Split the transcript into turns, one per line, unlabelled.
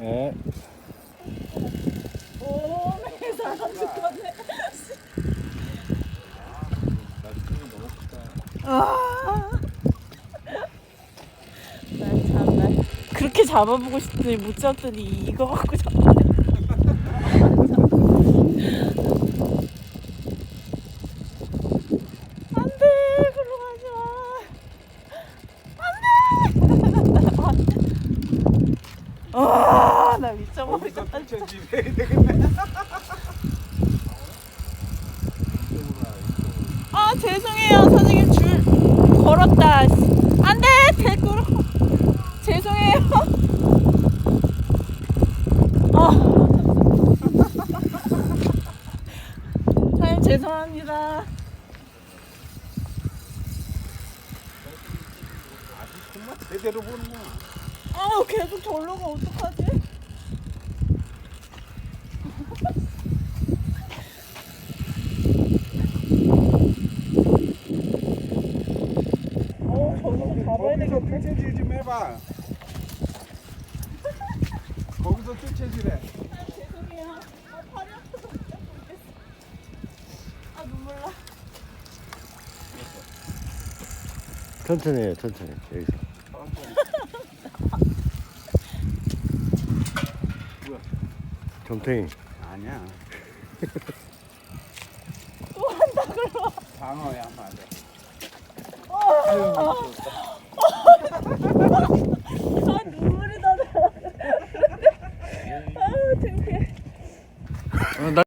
네.
오, 매 사람 죽었네. 아, 난 참나 그렇게 잡아보고 싶더니 못 잡더니 이거 갖고 잡네. 안돼, 글로 가지 마. 안돼. 아, 나 미쳐버리겠다. 아, 죄송해요 선생님, 줄 걸었다. 안돼, 대꾸로. 죄송해요. 선생님 죄송합니다.
정말 제대로 보는구나.
계속 절로 가 어떡하지? 저기서 잡아야
거기서
되겠다.
뜰채질 좀 해봐. 거기서 뜰채질해.
죄송해요. 팔이 아파서 못 잡고 있겠어. 눈물 나.
천천히 해요, 천천히. 여기서.
뭐야?
정탱이.
아니야.
또 한다 그러.
방어야 맞아.
어.